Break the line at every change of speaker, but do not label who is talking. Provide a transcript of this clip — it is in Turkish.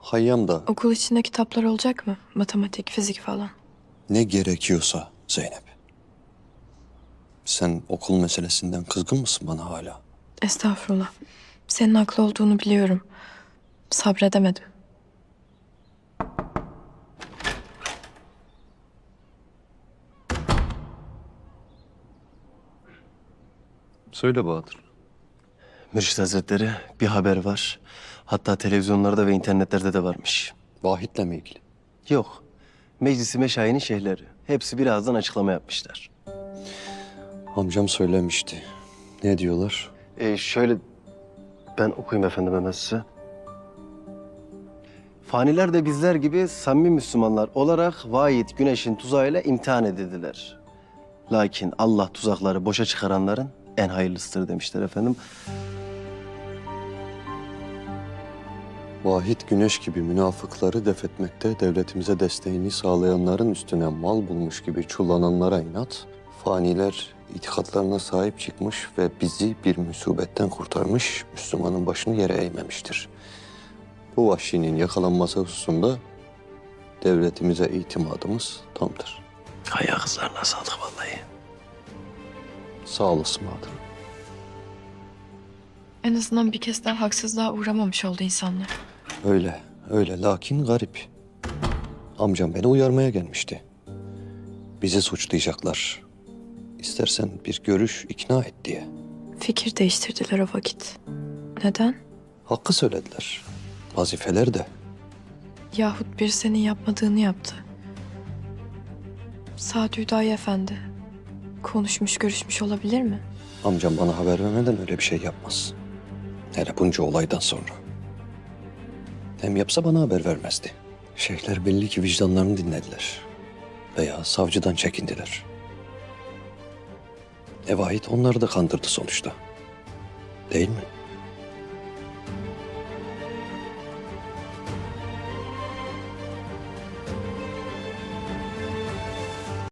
Hayyam da
Okul içinde kitaplar olacak mı? Matematik, fizik falan.
ne gerekiyorsa Zeynep. Sen okul meselesinden kızgın mısın bana hala?
Estağfurullah. Senin haklı olduğunu biliyorum. Sabredemedim.
Söyle Bahadır.
Mürşit Hazretleri bir haber var. Hatta televizyonlarda ve internetlerde de varmış.
Vahit'le mi ilgili?
Yok. Meclisi Meşayi'nin şeyhleri. Hepsi birazdan açıklama yapmışlar.
Amcam söylemişti. Ne diyorlar?
Şöyle ben okuyayım efendim hemen size. Faniler de bizler gibi samimi Müslümanlar olarak vahid güneşin tuzağıyla imtihan edildiler. Lakin Allah tuzakları boşa çıkaranların en hayırlısıdır demişler efendim.
Vahit güneş gibi münafıkları def etmekte devletimize desteğini sağlayanların üstüne mal bulmuş gibi çullananlara inat, faniler itikatlarına sahip çıkmış ve bizi bir musibetten kurtarmış, Müslümanın başını yere eğmemiştir. Bu vahşinin yakalanması hususunda devletimize itimadımız tamdır.
Ayağı kızlarına sağlık vallahi.
Sağ olasın Bahadır.
En azından bir kez daha haksızlığa uğramamış oldu insanlar.
Öyle, öyle. Lakin garip. Amcam beni uyarmaya gelmişti. Bizi suçlayacaklar. İstersen bir görüş ikna et diye.
Fikir değiştirdiler o vakit. Neden?
Hakkı söylediler. Vazifeler de.
Yahut bir senin yapmadığını yaptı. Sadi Hüdayi Efendi. Konuşmuş, görüşmüş olabilir mi?
Amcam bana haber vermeden öyle bir şey yapmaz. Hele bunca olaydan sonra. Hem yapsa bana haber vermezdi. Şeyhler belli ki vicdanlarını dinlediler. Veya savcıdan çekindiler. Vahit onları da kandırdı sonuçta. Değil mi?